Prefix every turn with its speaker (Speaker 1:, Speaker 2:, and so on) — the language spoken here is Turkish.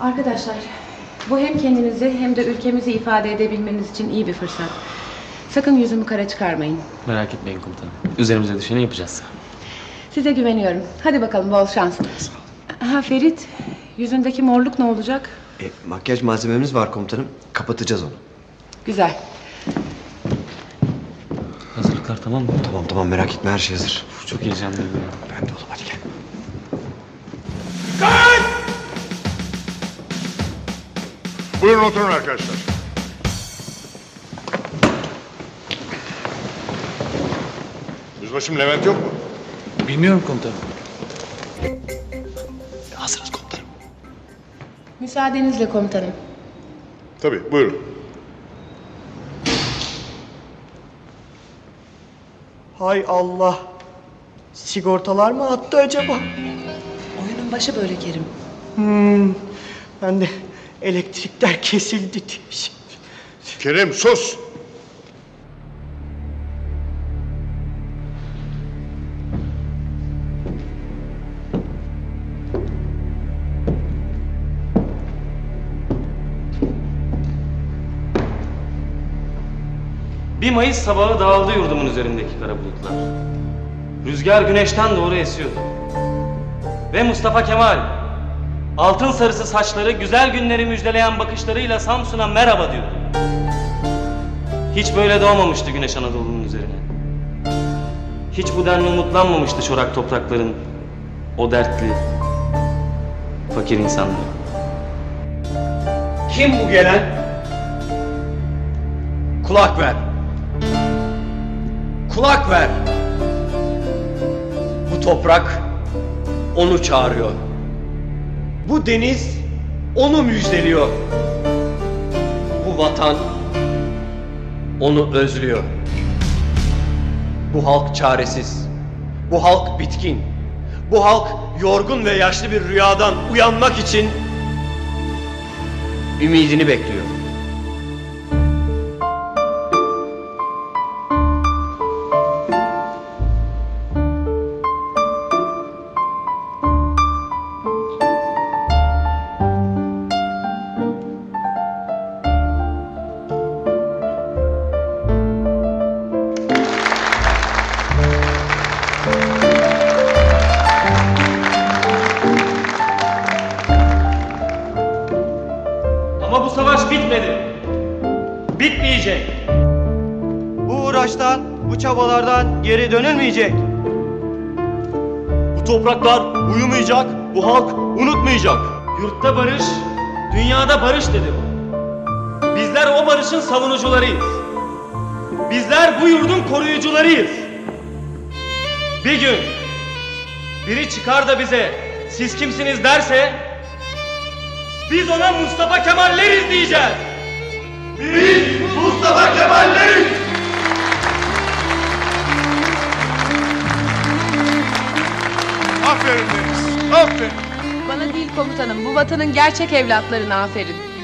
Speaker 1: Arkadaşlar, bu hem kendinizi hem de ülkemizi ifade edebilmeniz için iyi bir fırsat. Sakın yüzümü kara çıkarmayın.
Speaker 2: Merak etmeyin komutanım. Üzerimize düşeni yapacağız.
Speaker 1: Size güveniyorum. Hadi bakalım, bol şans. Ha Ferit, yüzündeki morluk ne olacak?
Speaker 3: Makyaj malzememiz var komutanım. Kapatacağız onu.
Speaker 1: Güzel.
Speaker 2: Hazırlıklar tamam mı?
Speaker 3: Tamam merak etme, her şey hazır.
Speaker 2: Çok heyecanlıyım.
Speaker 3: Ben de oğlum, hadi gel.
Speaker 4: Buyurun oturun arkadaşlar. Yüzbaşım Levent yok mu?
Speaker 2: Bilmiyorum komutanım.
Speaker 3: Hazırız komutanım.
Speaker 1: Müsaadenizle komutanım.
Speaker 4: Tabii, buyurun.
Speaker 5: Hay Allah. Sigortalar mı attı acaba?
Speaker 1: Oyunun başı böyle Kerim.
Speaker 5: Ben de elektrikler kesildi diye.
Speaker 4: Kerim sus!
Speaker 2: Bir Mayıs sabahı dağıldı yurdumun üzerindeki kara bulutlar. Rüzgar güneşten doğru esiyordu. Ve Mustafa Kemal, altın sarısı saçları, güzel günleri müjdeleyen bakışlarıyla Samsun'a merhaba diyordu. Hiç böyle doğmamıştı güneş Anadolu'nun üzerine. Hiç bu denli umutlanmamıştı çorak toprakların o dertli, fakir insanları.
Speaker 6: Kim bu gelen? Kulak ver. Kulak ver. Bu toprak onu çağırıyor. Bu deniz onu müjdeliyor. Bu vatan onu özlüyor. Bu halk çaresiz. Bu halk bitkin. Bu halk yorgun ve yaşlı bir rüyadan uyanmak için ümidini bekliyor.
Speaker 2: Ama bu savaş bitmedi. Bitmeyecek.
Speaker 6: Bu uğraştan, bu çabalardan geri dönülmeyecek. Bu topraklar uyumayacak, bu halk unutmayacak.
Speaker 2: Yurtta barış, dünyada barış dedi bu. Bizler o barışın savunucularıyız. Bizler bu yurdun koruyucularıyız. Bir gün biri çıkar da bize siz kimsiniz derse biz ona Mustafa Kemalleriz diyeceğiz.
Speaker 6: Biz Mustafa Kemalleriz!
Speaker 4: Aferin Deniz, aferin.
Speaker 1: Bana değil komutanım, bu vatanın gerçek evlatlarına aferin.